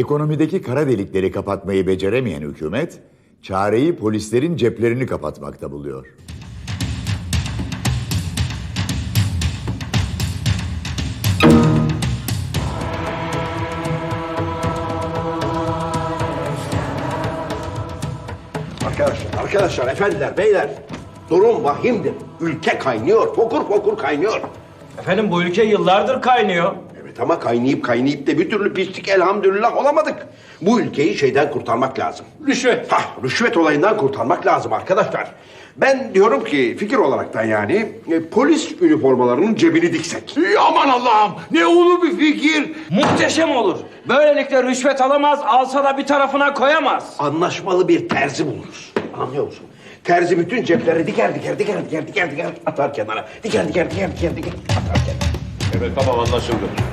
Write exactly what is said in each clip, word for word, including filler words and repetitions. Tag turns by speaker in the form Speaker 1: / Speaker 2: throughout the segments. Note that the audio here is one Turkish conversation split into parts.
Speaker 1: Ekonomideki kara delikleri kapatmayı beceremeyen hükümet, çareyi polislerin ceplerini kapatmakta buluyor.
Speaker 2: Arkadaşlar, arkadaşlar, efendiler, beyler. Durum vahimdir. Ülke kaynıyor, fokur fokur kaynıyor.
Speaker 3: Efendim bu ülke yıllardır kaynıyor.
Speaker 2: Evet ama kaynayıp kaynayıp da bir türlü pislik elhamdülillah olamadık. Bu ülkeyi şeyden kurtarmak lazım.
Speaker 3: Rüşvet.
Speaker 2: Hah, rüşvet olayından kurtarmak lazım arkadaşlar. Ben diyorum ki fikir olaraktan yani e, polis üniformalarının cebini diksek.
Speaker 4: Aman Allah'ım, ne ulu bir fikir.
Speaker 3: Muhteşem olur. Böylelikle rüşvet alamaz, alsa da bir tarafına koyamaz.
Speaker 2: Anlaşmalı bir terzi buluruz. Anlıyor musun? Terzi bütün cepleri diker diker diker diker diker diker atar kenara. Diker diker diker diker diker atar kenara.
Speaker 4: Evet, tamam, anlaşıldı.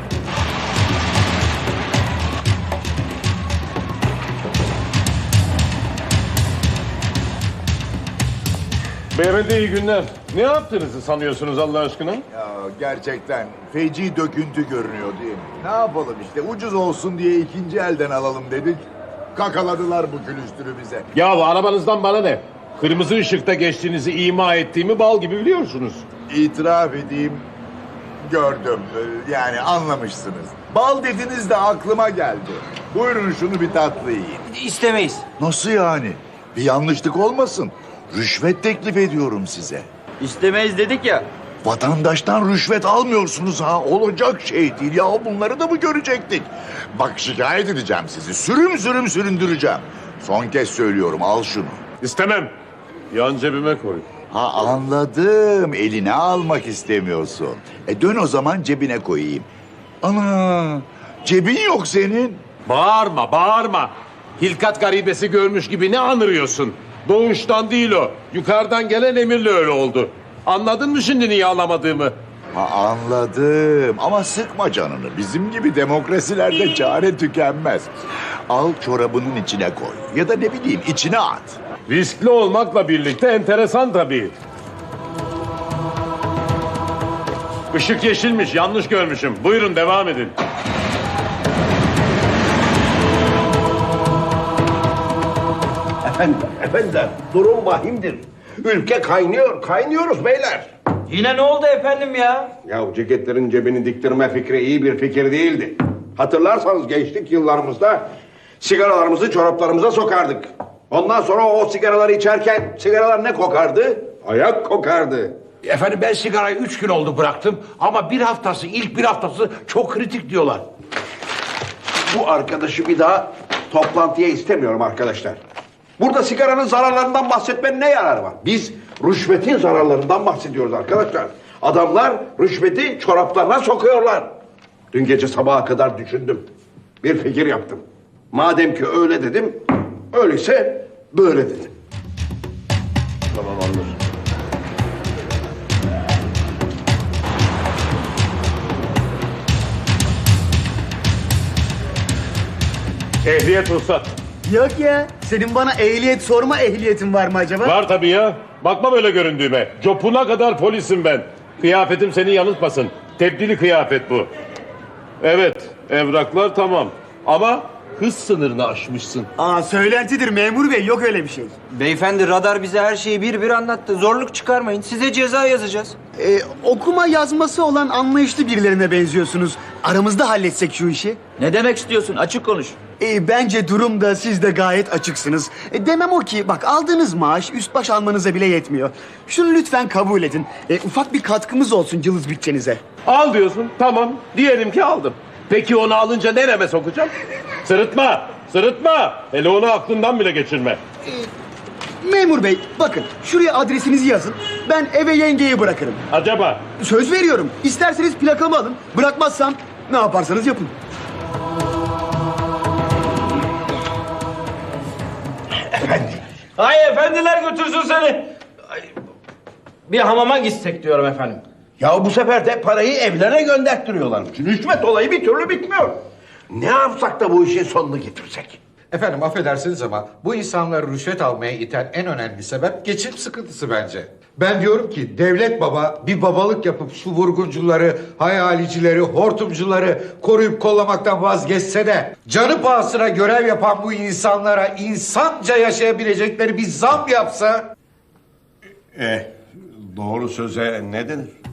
Speaker 4: Beyefendi iyi günler. Ne yaptığınızı sanıyorsunuz Allah aşkına?
Speaker 1: Ya gerçekten feci döküntü görünüyor değil mi? Ne yapalım işte, ucuz olsun diye ikinci elden alalım dedik. Kakaladılar bu külüstürü bize.
Speaker 4: Ya arabanızdan bana ne? Kırmızı ışıkta geçtiğinizi ima ettiğimi bal gibi biliyorsunuz.
Speaker 1: İtiraf edeyim, gördüm. Ee, Yani anlamışsınız. Bal dediniz de aklıma geldi. Buyurun şunu bir tatlı yiyin.
Speaker 3: İstemeyiz.
Speaker 1: Nasıl yani? Bir yanlışlık olmasın. Rüşvet teklif ediyorum size.
Speaker 3: İstemeyiz dedik ya.
Speaker 1: Vatandaştan rüşvet almıyorsunuz ha. Olacak şey değil ya. Bunları da mı görecektik? Bak şikayet edeceğim sizi. Sürüm sürüm süründüreceğim. Son kez söylüyorum, al şunu.
Speaker 4: İstemem. Yan cebime koy.
Speaker 1: Ha anladım. Eline almak istemiyorsun. E dön o zaman cebine koyayım. Ana, cebin yok senin.
Speaker 4: Bağırma, bağırma. Hilkat garibesi görmüş gibi ne anırıyorsun? Doğuştan değil o. Yukarıdan gelen emirle öyle oldu. Anladın mı şimdi niye alamadığımı?
Speaker 1: Ha anladım ama sıkma canını. Bizim gibi demokrasilerde çare tükenmez. Al çorabının içine koy. Ya da ne bileyim içine at.
Speaker 4: Riskli olmakla birlikte enteresan tabii. Işık yeşilmiş, yanlış görmüşüm. Buyurun devam edin.
Speaker 2: Efendim, efendiler, durum vahimdir. Ülke kaynıyor, kaynıyoruz beyler.
Speaker 3: Yine ne oldu efendim ya?
Speaker 2: Ya ceketlerin cebini diktirme fikri iyi bir fikir değildi. Hatırlarsanız gençlik yıllarımızda sigaralarımızı çoraplarımıza sokardık. Ondan sonra o sigaraları içerken sigaralar ne kokardı? Ayak kokardı.
Speaker 5: Efendim ben sigarayı üç gün oldu bıraktım ama bir haftası, ilk bir haftası çok kritik diyorlar.
Speaker 2: Bu arkadaşı bir daha toplantıya istemiyorum arkadaşlar. Burada sigaranın zararlarından bahsetmenin ne yararı var? Biz rüşvetin zararlarından bahsediyoruz arkadaşlar. Adamlar rüşveti çoraplarına sokuyorlar. Dün gece sabaha kadar düşündüm. Bir fikir yaptım. Madem ki öyle dedim, öyleyse böyle dedim.
Speaker 4: Tamam anlaşıldı. Ehliyet ruhsat.
Speaker 6: Yok ya. Senin bana ehliyet sorma ehliyetin var mı acaba?
Speaker 4: Var tabii ya. Bakma böyle göründüğüme. Copuna kadar polisim ben. Kıyafetim seni yanıltmasın. Tebdili kıyafet bu. Evet, evraklar tamam. Ama hız sınırını aşmışsın.
Speaker 6: Aa söylentidir memur bey, yok öyle bir şey.
Speaker 3: Beyefendi radar bize her şeyi bir bir anlattı. Zorluk çıkarmayın. Size ceza yazacağız.
Speaker 6: Ee, okuma yazması olan anlayışlı birilerine benziyorsunuz. Aramızda halletsek şu işi.
Speaker 3: Ne demek istiyorsun? Açık konuş.
Speaker 6: Ee, bence durumda siz de gayet açıksınız. E, demem o ki bak aldığınız maaş üst baş almanıza bile yetmiyor. Şunu lütfen kabul edin. E, ufak bir katkımız olsun cılız bütçenize.
Speaker 4: Al diyorsun, tamam. Diyelim ki aldım. Peki onu alınca nereme sokacağım? Sırıtma, sırıtma. Hele onu aklından bile geçirme.
Speaker 6: Memur bey bakın şuraya adresinizi yazın. Ben eve yengeyi bırakırım.
Speaker 4: Acaba?
Speaker 6: Söz veriyorum. İsterseniz plakamı alın. Bırakmazsam ne yaparsanız yapın.
Speaker 3: Ay efendiler götürsün seni. Ay, bir hamama gitsek diyorum efendim.
Speaker 2: Ya bu sefer de parayı evlerine gönderttiriyorlarmış. Rüşvet olayı bir türlü bitmiyor. Ne yapsak da bu işin sonunu getirsek?
Speaker 7: Efendim affedersiniz ama bu insanları rüşvet almaya iten en önemli sebep geçim sıkıntısı bence. Ben diyorum ki devlet baba bir babalık yapıp şu vurguncuları, hayalicileri, hortumcuları koruyup kollamaktan vazgeçse de canı pahasına görev yapan bu insanlara insanca yaşayabilecekleri bir zam yapsa.
Speaker 2: Eh, doğru söze ne denir?